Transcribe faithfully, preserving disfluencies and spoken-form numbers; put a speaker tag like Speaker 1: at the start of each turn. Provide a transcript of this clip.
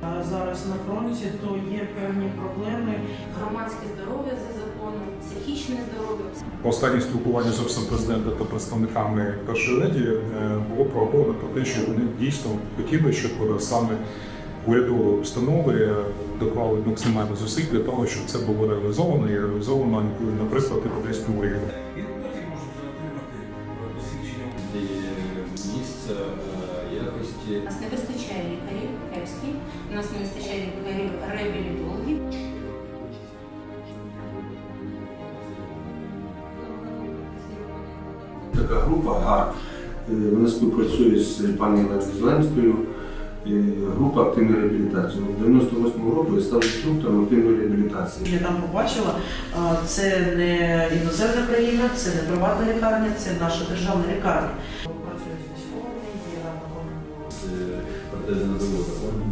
Speaker 1: Зараз на фронті, то є певні проблеми.
Speaker 2: Громадське здоров'я за законом, психічне здоров'я.
Speaker 3: Останнє спілкування з офісом президента та представниками першої леді було проговорено про те, що вони дійсно хотіли, щоб саме урядові установи доклали максимально зусиль для того, щоб це було реалізовано і реалізовано, наприклад, європейським урядом.
Speaker 4: І потім можуть отримати посвідчення.
Speaker 5: Місця якості.
Speaker 2: У нас не вистачає лікарів кепських, у нас не вистачає лікарів реабілітологів.
Speaker 6: Така група ГАР, вона співпрацює з пані Оленою Зеленською, група активної реабілітації. У дев'яносто восьмому році я став інструктором активної реабілітації.
Speaker 1: Я там побачила, це не іноземна країна, це не приватна лікарня, це наша державна лікарня. Працюю з військовими, є на
Speaker 5: Протези на заводах.